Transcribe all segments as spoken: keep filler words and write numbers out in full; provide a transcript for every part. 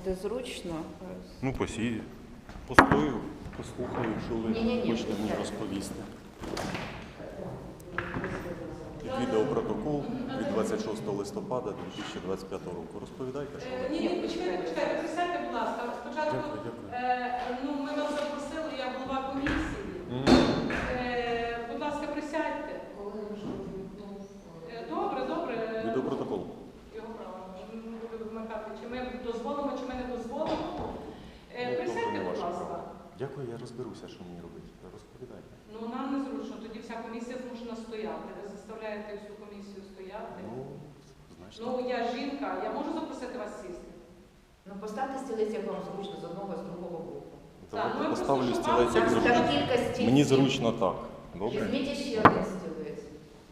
буде зручно. Ну, посію. Постою, послухаю, що ви Ні-ні-ні. хочете мені розповісти. Відеопротокол від двадцять шостого листопада дві тисячі двадцять п'ятого року. Розповідайте, що ви. Ні, ні, почекайте, почекайте, присядьте, будь ласка. Спочатку, Дякую, дякую. е, ну, ми вас запросили, я голова комісії. М. Е, будь ласка, присядьте. Е, добре, добре. Відеопротокол. Його право, ми будемо вимикати, чи ми дозволимо, чи ми не дозволимо. Е, Ну, присядьте, добре, не будь ваше ласка. право. Дякую, я розберуся, що мені робити. Розповідайте. Ну, нам незручно, тоді вся комісія змушена стояти. Ви заставляєте всю комісію стояти. Ну, значить. Ну, я жінка, я можу запросити вас сісти? Ну, поставте стілець, як вам зручно, з одного, з другого боку. Давайте ну, ми поставлю просто стілець, як шукали. зручно. Там кілька стільців. Мені зручно так. Добре? Візьміть ще один стілець.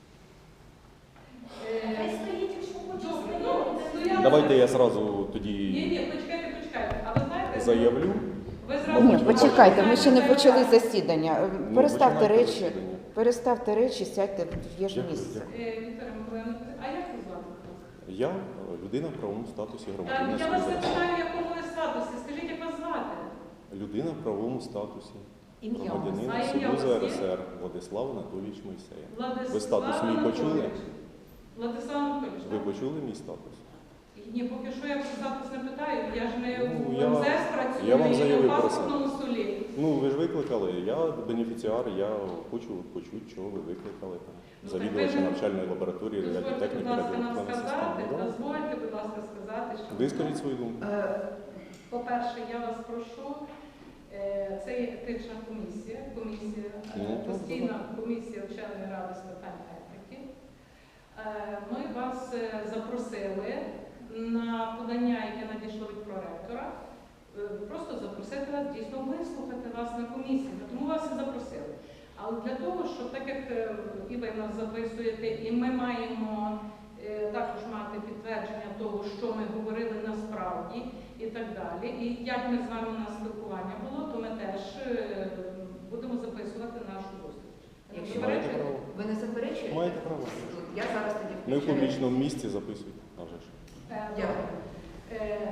Хай стоїть, якщо Добре, ну, стояти. Давайте я зразу Ні, тоді ні, почекайте, почекайте. А ви знаєте, заявлю. ви зразу... Ні, почекайте, ми ще не почали засідання. Ну, Переставте починайте речі, засідання. переставте речі, сядьте, є ж Дякую, місце. дякую. Е, Вікторія Миколаївна, а як ви звати? Я людина в правовому статусі Та, громадянина я вас не Союзу. питаю, в якому ви статусі. Скажіть, як вас звати? Людина в правовому статусі Ім'я. громадянина А ім'я у вас Союзу є? РСР Владислав Анатолійович Мойсеєв. Владислав Ви статус мій почули? Анатолійович. Владислав Анатолійович, Ви так? почули мій статус? Ні, поки що я про статус не питаю. Я ж не Ну, в я- МЗС працюю, я вам і заявив в про це. паспортному столі. Ну, ви ж викликали, я бенефіціар, я хочу почути, чого ви викликали там. Ну, Завідувача так ви- навчальної лабораторії Дозвольте, будь радіотехніки, ласка, нам радіоелектронної сказати, системи. Да. дозвольте, будь ласка, сказати, що... Вискажіть свою думку. Е, По-перше, я вас прошу, е, це є етична комісія, комісія, е, Ну, так, постійна комісія вченої ради з питань етики. Е, Ми вас е, запросили на подання, яке надійшло від проректора, е, просто запросити вас, дійсно вислухати вас на комісії. Тому вас і запросили. Але для того, щоб так як е, і ви нас записуєте, і ми маємо е, також мати підтвердження того, що ми говорили насправді і так далі. І як ми з вами на спілкування було, то ми теж е, будемо записувати нашу зустріч. Ви не Якщо Маєте заперечуєте? право. Ви не заперечуєте? Маєте право. Я зараз тоді Ми в включаю. публічному місці записуйте. А вже ж. Е, Дякую. е,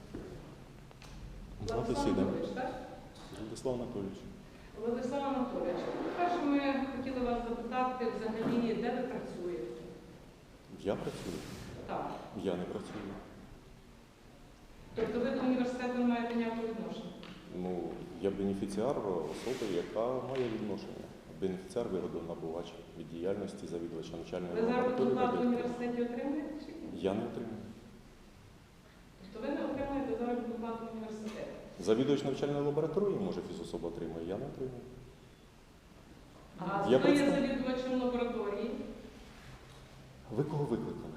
Два Владислав засідання. Анатолійович, так? Владислав Анатолійович. Владислав Анатолійович, по-перше, ми хотіли вас запитати взагалі, де ви працюєте? Я працюю? Так. Я не працюю. Тобто ви до університету не маєте ніякого відношення? Ну, я бенефіціар особи, яка має відношення. Бенефіціар вигодонабувач від діяльності завідувача навчальної Ви заробітну лабораторії. плату в радіотехніки. університеті отримуєте чи ні? Я не отримую. Тобто ви не отримуєте заробітну плату в університеті? Завідувач навчальної лабораторії, може, фізособа отримує, я не отримую. А Я хто є представ- завідувачем лабораторії? Ви кого викликали?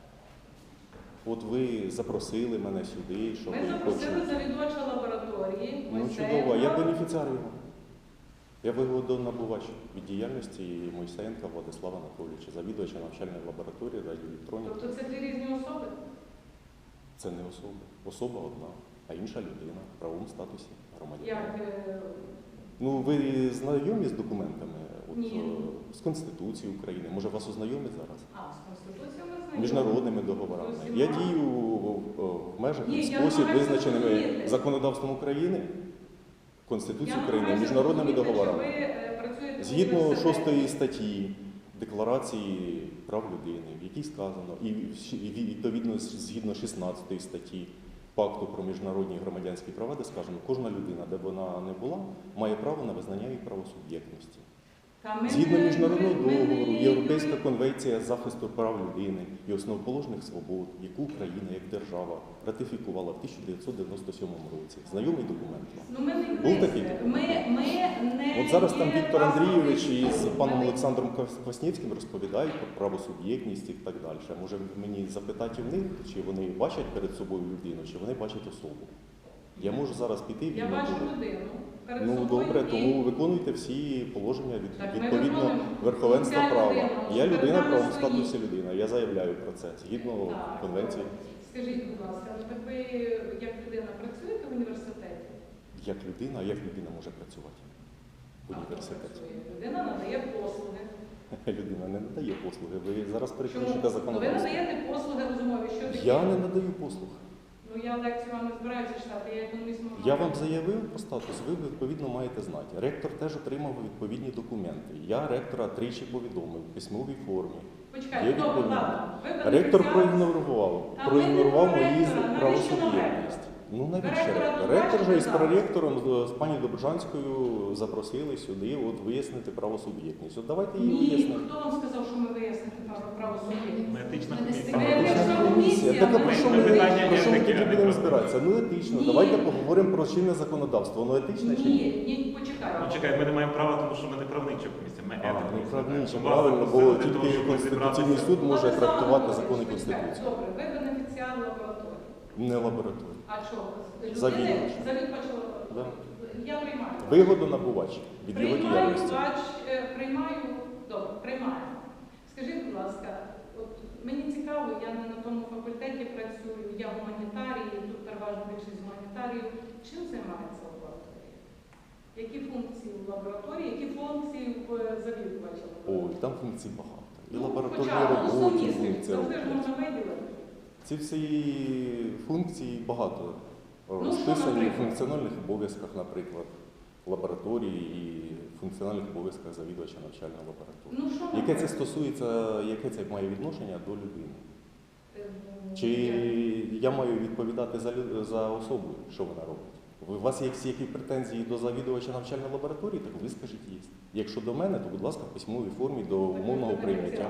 От ви запросили мене сюди, щоб Ми я запросили почув. завідувача лабораторії. Ну Мойсеєва. чудово, а я бенефіціар його. Я вигодонабувач від діяльності Мойсеєнка Владислава Анатолійовича, завідувача навчальної лабораторії радіоелектроніки. Тобто це дві різні особи? Це не особа. Особа одна, а інша людина в правовому статусі громадянина. Як? е, Ну, ви знайомі з документами? От, Ні. е, з Конституцією України. Може, вас ознайомить зараз? А, з Конституцією ми знаємо. Міжнародними договорами. Зовсім Я мало. дію в, в межах Ні, і я спосіб, намагаюся визначеними зрозуміти. законодавством України, Я Конституцією України, намагаюся міжнародними зрозуміти, договорами. чи ви, е, працюєте в Згідно університеті. шостої статті Декларації прав людини, в якій сказано, і в- і відповідно з- згідно шістнадцятої статті Пакту про міжнародні громадянські права, де сказано, кожна людина, де б вона не була, має право на визнання її правосуб'єктності. Та ми Згідно не- міжнародного ми- ми не договору, є Європейська юри- конвенція з захисту прав людини і основоположних свобод, яку Україна як держава ратифікувала в тисяча дев'ятсот дев'яносто сьомому році. Знайомий документ вам? Ну, ми не Був юристи. такий документ? Ми, ми не От зараз там є Віктор паспортний Андрійович із суд. паном Ми не- Олександром Кваснєвським розповідають про правосуб'єктність і так далі. Може мені запитати в них, чи вони бачать перед собою людину, чи вони бачать особу. Я можу зараз піти Я вільно бачу туди. людину перед Ну собою. добре, і- тому виконуйте всі положення від, Так, ми відповідно виконуємо. верховенства Ця права. людина Я людина в передала правовому свої- статусі людина. Я заявляю про це згідно Так. конвенції. Скажіть, будь ласка, ну так ви як людина працюєте в університеті? Як людина, а як людина може працювати в А хто університеті? працює? Людина надає послуги. Людина не надає послуги. Ви зараз Чому? перекручуєте Ну, ви законодавство. надаєте послуги розумові, що таке? Я не надаю послуг. Ну я лекцію вам не збираюся читати, я економіст можу. Я вам заявив про статус, ви відповідно маєте знати. Ректор теж отримав відповідні документи. Я ректора тричі повідомив в письмовій формі. Є Почекайте, добре, відповідь. ладно. Ви Ректор бенефіціар- проігнорував, Та ми проігнорував не про мої ректора, навіщо правосуб'єктність. Ну навіщо Ректора ректор? тут Ректор же із бачите, проректором, з- з пані Добржанською запросили сюди от, вияснити правосуб'єктність. От давайте її Ні, вияснимо. хто вам сказав, що ми вияснити право право суб'єктності? Ми етична Ми не комісія. Ми Етична етична комісія. комісія, Так а ми- про що ми ми, питання про що ми етики, тоді а не будемо про- збиратися? Ну етично. Ні. Давайте поговоримо про чинне законодавство. Воно етичне чи ні? Ні, ні, почекайте. Ну чекай, ми не маємо права, тому що ми не правнича комісія, ми А, етика. ну правильно, Тому правильно, вас бо запросили для тільки того, щоб Конституційний розібратися. суд може Олександр трактувати Володимирович, закони почекайте. Конституції. Добре, ви бенефіціар лабораторії. Не лабораторія. А чого? Завідувач. Завідувач Да. лабораторії. Я приймаю. Вигоду набувач від його Приймаю, діяльності. бач, е, приймаю, добре, приймаю. Скажіть, будь ласка, от мені цікаво, я не на тому факультеті працюю, я гуманітарій, тут переважно більшість гуманітаріїв. Чим займається лабораторія? Які функції в лабораторії, які функції в завідувача? Ой, там функцій багато. І Ну, лабораторні хоча б роботи, основні функції завжди ж роблять. можна виділити. Ці всі функції багато що, розписані в наприклад? функціональних обов'язках, наприклад, лабораторії і функціональних обов'язках завідувача навчальної лабораторії. Ну, що Яке це наприклад? стосується, яке це має відношення до людини? Е, Чи я- я маю відповідати за, лю- за особу, що вона робить? Ви- У вас є всі які претензії до завідувача навчальної лабораторії, так ви скажіть є. Якщо до мене, то, будь ласка, в письмовій формі до умовного прийняття.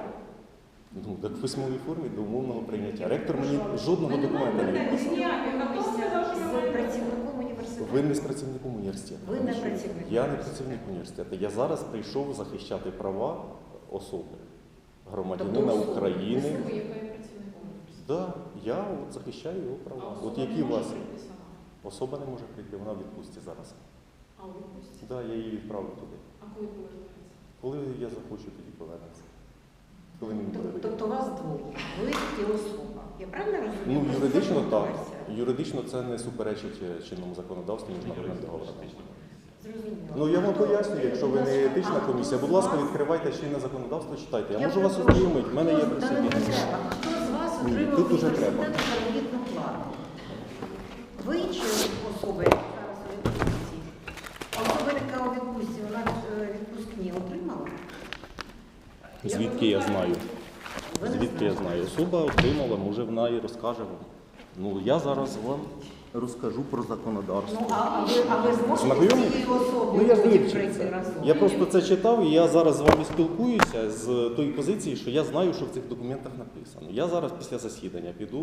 Ну, так в письмовій формі до умовного прийняття. Ректор мені жодного Ми не документа не маємо відписав. ніяких. А хто сказав, що ми З маємо? працівником університету. Ви не з працівником університету. Ви не тому що працівник Я не університету. працівник університету. Я зараз прийшов захищати права особи, Тобто громадянина особи. України. Ви яка є працівником університету? Да, я от захищаю його права. А От особа які не у може вас прийти сама? особа не може прийти, вона в відпустці зараз. А у відпустці? Да, я її відправлю туди. А коли повернеться? Коли я захочу, тоді повернеться. Коли мені буде Тоб- вигідно. Тобто вас двоє. Ви і особа. Я правильно розумію? Ну, Просто юридично це так. версія. Юридично це не суперечить е, чинному законодавству міжнародним договорам. Зрозуміло. Ну я вам Хто- пояснюю, якщо ви не будь ласка, етична а комісія, хто будь з ласка, вас- відкривайте чинне законодавство, читайте. Я, Я можу вас перепрошую, ознайомити, в мене є хто- при та собі. не треба. Хто з вас Ні, отримав тут уже університету треба. заробітну плату? Ви чи особа, яка зараз у відпустці? А особа, яка у відпустці, вона е, відпускні отримала? Звідки я знаю? Ви не Звідки я знаєте. знаю? Особа отримала, може вона і розкаже вам. Ну я зараз вам розкажу про законодавство. Ну, а, а ви, а ви зможете Знайомі? з цією особою Ну я ж потім вивчив прийти це. разом? Я просто це читав і я зараз з вами спілкуюся з тої позиції, що я знаю, що в цих документах написано. Я зараз після засідання піду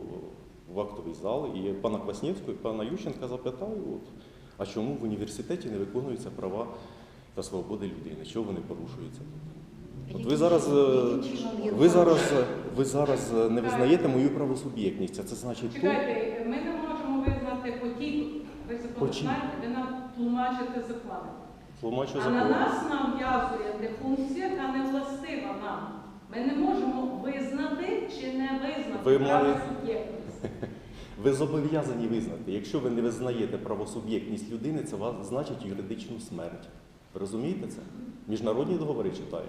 в актовий зал і пана Кваснєвського, і пана Ющенка запитаю, от, а чому в університеті не виконуються права та свободи людини? Чого вони порушуються? От ви зараз, е, Яким чином є ви зараз, порушення? ви зараз е, не визнаєте мою правосуб'єктність, а це значить то, Чекайте, ми не можемо визнати потік. Ви закон Потік. знаєте, ви нам тлумачите закони. тлумачу А закон. на нас нав'язує де функція, яка не властива нам. Ми не можемо визнати чи не визнати Ви має- правосуб'єктність. Ви зобов'язані визнати. Якщо ви не визнаєте правосуб'єктність людини, це вас значить юридичну смерть. Ви розумієте це? Міжнародні договори читаєте?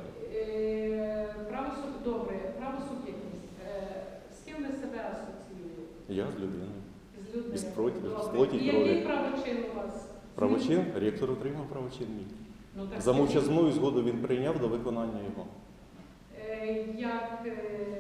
Е, правосуб- Добре, правосуб'єктність. Е, З ким ви себе асоціюєте? Я з людиною. З людьми. Із проти- Добре. з плоті І крові. який правочин у вас? Правочин, ректор отримав правочин мій. Ну, так За скажіть. мовчазною згоду він прийняв до виконання його. Е, Як, е,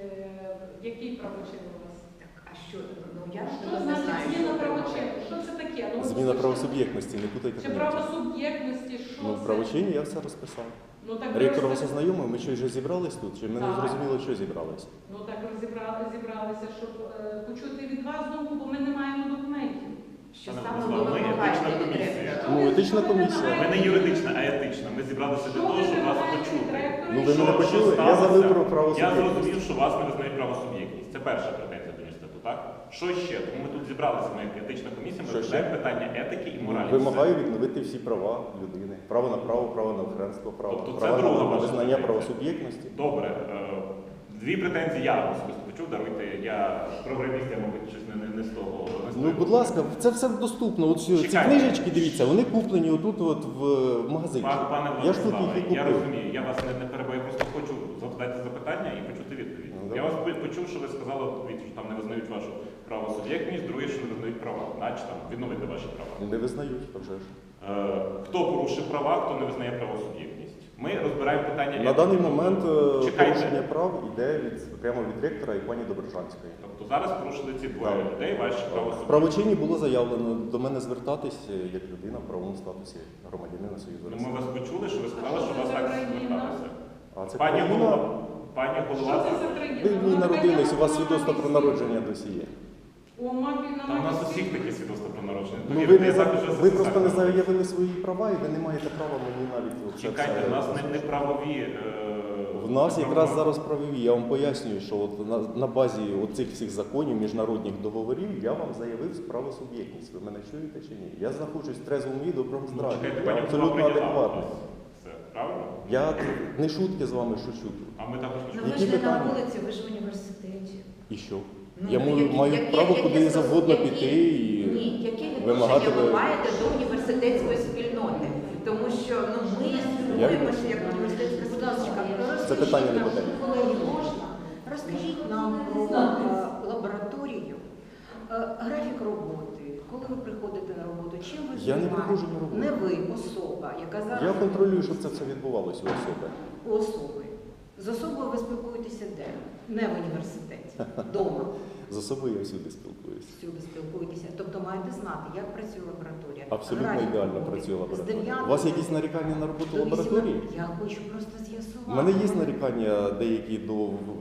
який правочин у вас? Так, а що? Ну, я ж Що не значить знаю, зміна що правочину? Що це таке? Ну, от Зміна що- правосуб'єктності, не путайте Чи поняття. правосуб'єктності, що Ну, в це? правочині я все розписав. Ну, так ви Ректор вас розпис- ознайомив, ми що вже зібрались тут, чи ми не Так. зрозуміли, що зібрались? Ну так розібрали, зібралися, щоб е, почути від вас думку, бо ми не маємо документів. Що Пане саме Владислав, ви ми вимагаєте етична від комісія. ректора? Ну, етична комісія. Ми не юридична, а етична. Ми зібралися для того, щоб вас почути. Ну, ви мене почули? Я сталося? забив про Я правосуб'єктність. зрозумів, що вас не визнають правосуб'єктність. Це перша претензія до університету, так? Що ще? Тому ми тут зібралися, ми як етична комісія, ми Що розглядаємо ще? питання етики і моралі. Вимагаю відновити всі права людини. Право на право, право на охранство, право, Тобто це право друга на ваша визнання претензія. правосуб'єктності. Добре. е, Дві претензії я особисто почув, даруйте, я програміст, я, мабуть, щось не, не, не з того. Не з Ну, того. будь ласка, це все доступно. От ці ці Чекайте. книжечки, дивіться, вони куплені отут от в в магазині. Пан- Пане Я ж тут Владиславе, їх і я купив. розумію, я вас не, не перебуваю, я просто хочу задати запитання і почути відповідь. Ну, я давай. вас по- почув, що ви сказали відповідь, що там не визнають вашу правосуб'єктність, друге, що не визнають права, наче там відновити ваші права. Не визнають, а вже ж. Е, Хто порушив права, хто не визнає правосуб'єктність. Ми розбираємо питання. На даний момент е, Чекайте. порушення прав йде від, прямо від ректора і пані Доброжанської. Тобто зараз порушили ці двоє Так. людей, ваші В правосуб'єктність. правочині було заявлено до мене звертатись е, як людина в правовому статусі громадянина Союзу Ну, ми Росії. вас почули, що ви сказали, А що що вас це так за країна? зверталися. А це Пані країна- голова, пані Що голова, це за країна? Ви в ній Ну, народились, у вас Україна, свідоцтво про вона народження досі є. О, мамі, на там у нас мамі усіх всі. такі свідоцтва про народження. Ну, Тоді ви, людей не, за- завжди вже ви це просто не так. заявили свої права і ви не маєте права мені навіть оце Чекайте, все у нас не, озвучити. не правові. е, В нас якраз правові- зараз правові. Я вам пояснюю, що от на, на базі оцих всіх законів, міжнародних договорів, я вам заявив правосуб'єктність. Ви мене чуєте чи ні? Я знаходжусь в трезвому і доброму Ну, здраві. чекайте, Я пані абсолютно голова прийняла адекватний. вас. Все, правильно? Я не шутки з вами шучу. А ми також Ну не ви Які ж не на питання? вулиці, ви ж в університеті. І що? Ну, я маю, які- маю які- право які куди стос- завгодно які- піти і Ні, які вимагати відношення ви ви- маєте до університетської спільноти? Тому що ну, ми спілкуємося як університетська Будь ласка, спільнота. Це питання не розкажіть нам, питання. колеги, можна? Розкажіть нам про е, лабораторію, е, графік роботи, коли ви приходите на роботу, чим ви Я не займаєтесь? приходжу на роботу. Не ви, особа, яка зараз я контролюю, щоб це все відбувалося у особи. у особи. З особою ви спілкуєтеся де? Не в університеті, вдома. З особою я всюди спілкуюся. Всюди спілкуєтеся. Тобто маєте знати, як працює лабораторія. Абсолютно Графік ідеально роботи. працює З лабораторія. дев'ятої У вас якісь нарікання на роботу до лабораторії? вісімнадцятої. Я хочу просто з'ясувати. У мене є нарікання деякі до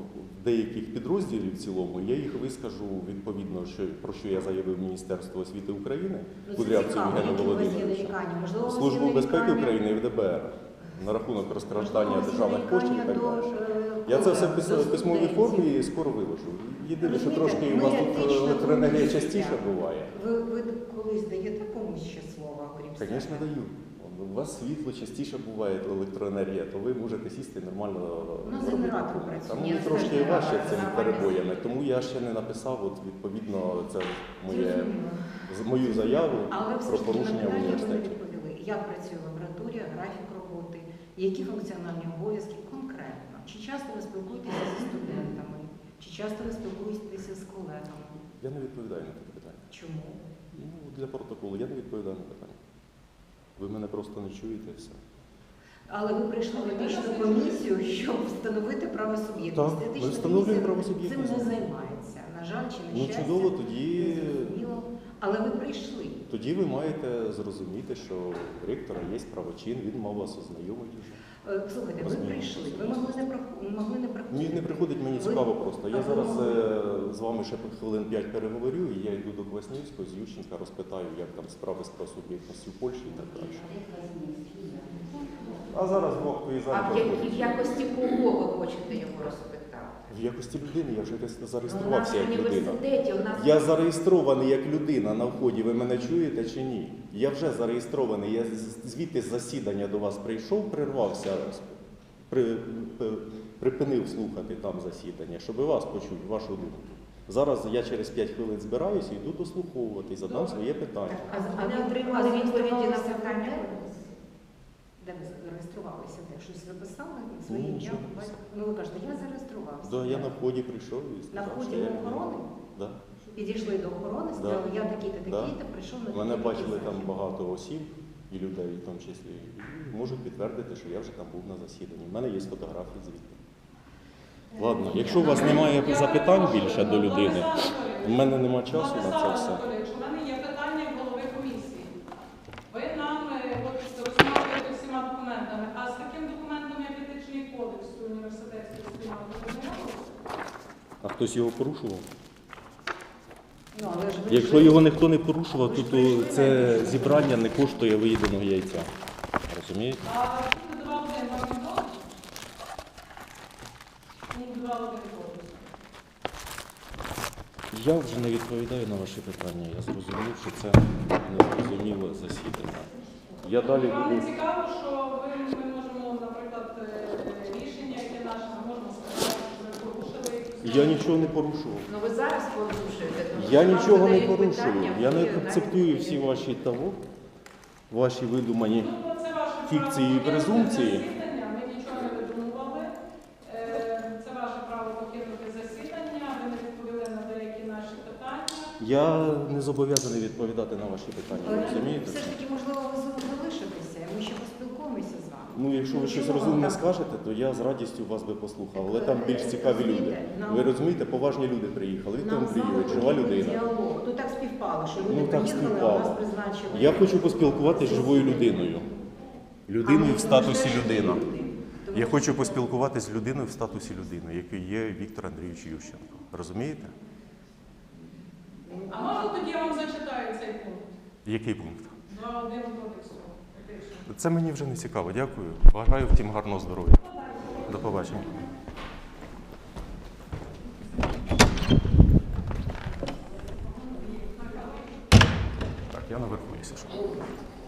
деяких підрозділів в цілому. Я їх вискажу відповідно, що про що я заявив Міністерство освіти України, Ну, це Кудрявцю цікаво, Євгену які у вас є Володимировичу, нарікання. Можливо, у вас є Службу безпеки нарікання- України і в ДБР на рахунок розкрадання можливо, у вас є державних коштів і так нарікання далі. до, е, Я це все в колег, пис- до письмовій студентів. формі і скоро виложу. Єдине, що Розумієте, трошки у ми вас тут етична електроенергія комісія. частіше буває. Ви, ви колись даєте комусь ще слово, окрім себе? Звісно, даю. У вас світло частіше буває електроенергія, то ви можете сісти і нормально Ну, робити. генератор працює. Там Ні, мені це трошки ж важче генератор, цими нормально перебоями, тому я ще не написав, от відповідно, це моє, Зрозуміло. з- мою заяву Але все про ж таки на порушення в питання ви не університеті. відповіли. Як працює лабораторія, графік роботи, які функціональні обов'язки конкретно? Чи часто ви спілкуєтеся зі студентами? Чи часто ви спілкуєтеся з колегами? Я не відповідаю на це питання. Чому? Ну, для протоколу я не відповідаю на питання. Ви мене просто не чуєте і все. Але ви прийшли в етичну комісію, щоб встановити правосуб'єктність. Так, ми Етична встановлюємо комісія правосуб'єктність. Цим не займається. На жаль, чи на Ну щастя. чудово, тоді, Зрозуміло. Але ви прийшли. тоді ви маєте зрозуміти, що у ректора є правочин, він мав вас ознайомити вже. Е, Слухайте, ви Розумію. прийшли. Ви могли не прох- могли не приходити. Ні, не приходить мені Ви- цікаво просто. Я А зараз ви е, з вами ще хвилин п'ять переговорю, і я йду до Кваснівського, з Ющенка розпитаю, як там справи з правосуб'єктністю в Польщі і так далі. А зараз Бог твої А в, як- в заходить. якості кого ви хочете його розпитати? В якості людини я вже десь Ну, у нас зареєструвався в як людина. університеті, у нас Я зареєстрований як людина на вході, ви мене чуєте чи ні? Я вже зареєстрований, я з- звідти з засідання до вас прийшов, прирвався, при, п- припинив слухати там засідання, щоб вас почути, вашу думку. Зараз я через п'ять хвилин збираюся і йду дослуховувати і задам своє питання. А, Ви а не ви отримали відповіді на зареєструвалися питання? Де ви зареєструвалися? Де? Щось записали? Своє Ну, ім'я? нічого не батько? Ну ви кажете, я зареєструвався. Да, я на вході прийшов і На сказав, вході що я до людина. охорони? Да. Підійшли до охорони, сказали, я такий-то, Да. такий-то, прийшов на Мене такий-то бачили там захід. багато осіб і людей, в тому числі, і можуть підтвердити, що я вже там був на засіданні. У мене є фотографії звідти. Ладно, якщо у вас немає Я запитань перепрошую, більше до людини, Владислав Анатолійович, в мене нема часу на це Владислав все. Анатолійович, у мене є питання в голови комісії. Ви нам е, от, розмовляєте всіма документами, а з таким документом, як етичний кодекс університетської спільноти, ви знайомилися? А хтось його порушував? Ну, але ж ви Якщо ж- його ніхто не порушував, Ви то, ж то прийшли це на зібрання не коштує виїденого яйця. Розумієте? А пункт два один вам відомо? Пункт два один кодексу. Я вже не відповідаю на ваші питання. Я зрозумів, що це незрозуміле засідання. Я далі Вам буду. не цікаво, що ви, ми можемо, наприклад, е, рішення, яке наше, ми можемо сказати, що ви порушили якусь Я норму? нічого не порушував. ну ви зараз порушуєте. тому Я що вам нічого не задають порушую. питання, Я не ви акцептую навіть всі не ваші того, ваші видумані. Ну, це ваше Фікції і право презумпції. покинути засідання, ми нічого не видумували. Е, Це ваше право покинути засідання, ви не відповіли на деякі наші питання. Я не зобов'язаний відповідати на ваші питання, розумієте? Все ж таки, можливо, ви залишитеся, і ми ще поспілкуємося з вами. Ну, якщо ви щось Чому розумне так? скажете, то я з радістю вас би послухав. Але там більш цікаві люди. Розумієте, нам- Ви розумієте, поважні люди приїхали. Віктор Нам з вами Андрійович, жива потрібен людина. діалог. Ну так співпало, що люди Ну, так приїхали, а співпало. нас призначили. Я хочу поспілкуватися з живою людиною. Людиною в статусі людина. Я хочу поспілкуватися з людиною в статусі людини, який є Віктор Андрійович Ющенко. Розумієте? А можна тоді я вам зачитаю цей пункт? Який пункт? два один кодексу. етичного. Це мені вже не цікаво. Дякую. Бажаю втім гарного здоров'я. До побачення. Так, я наверху, якщо що.